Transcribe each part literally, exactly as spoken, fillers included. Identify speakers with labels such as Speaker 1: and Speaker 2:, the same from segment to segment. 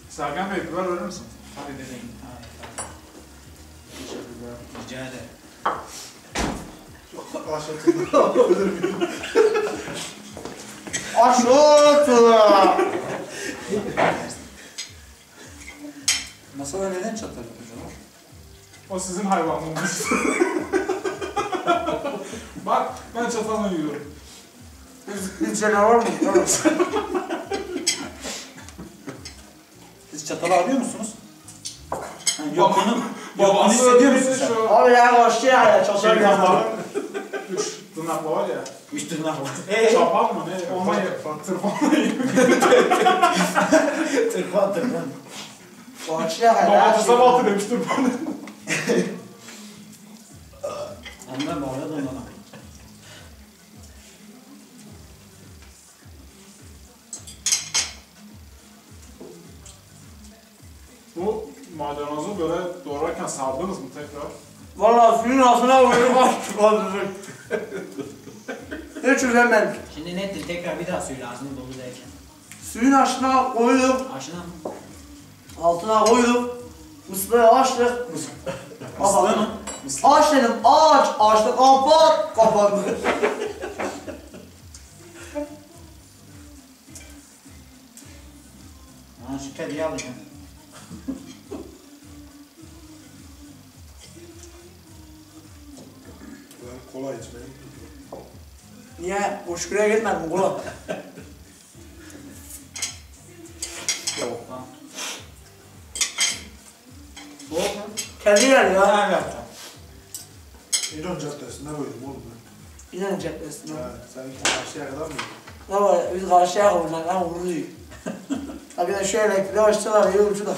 Speaker 1: Sergen Bey, biber verir misin?
Speaker 2: Tabii bebeğim.
Speaker 1: Teşekkürler.
Speaker 2: Rica ederim.
Speaker 3: Aşağıtıldı.
Speaker 4: Aşağıtıldı.
Speaker 2: Masada neden çatal yapıyorlar?
Speaker 1: O sizin hayvanlığınız. Bak, ben çatalla yiyorum.
Speaker 4: Biz canavar mı?
Speaker 2: Siz çatalı alıyor musunuz? Yani
Speaker 1: Baba-
Speaker 2: yokluğunu, yokluğunu
Speaker 1: Babası
Speaker 2: hissediyor musun
Speaker 1: öyleydi
Speaker 2: sen?
Speaker 1: şu-
Speaker 4: Abi ya başka ya çatır
Speaker 1: Şey
Speaker 4: yapalım.
Speaker 1: yapalım. Üç tırnaklı var ya.
Speaker 2: Üç tırnak var.
Speaker 1: Çapan mı ne? Onunla ye. Tırpanla ye.
Speaker 2: Tırpan tırpan.
Speaker 4: Başka ya.
Speaker 1: Domatese batı demiş tırpanı.
Speaker 2: Onlar mı orada ondan?
Speaker 1: Bu maydanozu böyle doğrarken sardınız mı tekrar?
Speaker 4: Valla suyun altına koyup açtık kaldırdık. Hiç üzülmedik.
Speaker 2: Şimdi nettir tekrar bir daha söyle ağzını dolu derken.
Speaker 4: Suyun altına koyduk,
Speaker 2: Aşına mı?
Speaker 4: altına koyduk. Mıslığı açtık.
Speaker 2: Mıslığı mı?
Speaker 4: Aç dedim, aç, açtık, kapat, kapandı.
Speaker 2: Ha şu kediyi alacağım.
Speaker 3: Ben kola içmeyi.
Speaker 4: Niye? Hoşgörüye gitmedin kulak.
Speaker 2: Soğuk lan. Soğuk mu?
Speaker 4: Kedi yer ya.
Speaker 2: Ben yapacağım.
Speaker 3: İran Caddesi'nde koydum oğlum ben.
Speaker 4: İnan cephesine.
Speaker 3: Ha, seninki karşıya kadar mı?
Speaker 4: Ne var? Biz karşıya koyacak, lan vuruyor. Ha bir de şu elektriği açtılar, iyi ucu da.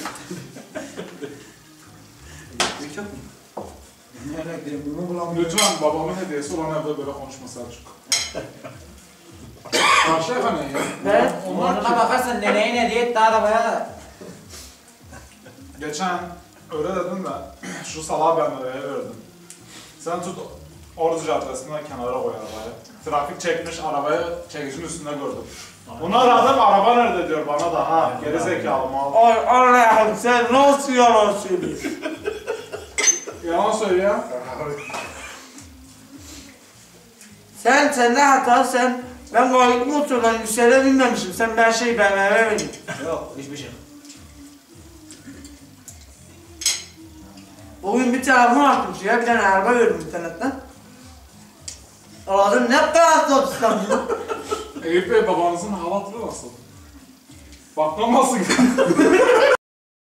Speaker 2: Elektrik yok mu? Ne elektrik? Bunu bulamıyorum.
Speaker 1: Lütfen babamın hediyesi olan evde böyle konuşma Selçuk. Karşıyaka ne ya?
Speaker 4: Ne?
Speaker 1: Onlar
Speaker 2: Onlara
Speaker 1: ki,
Speaker 2: bakarsan neneye ne diye daha da bayağı...
Speaker 1: geçen öyle dedim de şu salağı ben oraya verdim. Sen tut Ordu Caddesi'nden kenara koy arabayı. Trafik çekmiş arabayı çekicinin üstünde gördüm. Bunu aradım, araba nerede diyor bana da ha geri zekalı mal.
Speaker 4: Ay Allah'ım sen nasıl yalan söylüyorsun?
Speaker 1: Yalan söylüyor.
Speaker 4: Sen, sende hata sen. Ben gayet motordan yükseğe binmemişim. Sen ben şey B M W bindin.
Speaker 2: Yok hiçbir şey.
Speaker 4: Bugün bir telefon açtım şuraya, bir tane araba gördüm internetten. Aradım, ne kadar satıştan bunu?
Speaker 1: Eyüp Bey babanızın hava hatırı nasıl? Bakmam nasıl?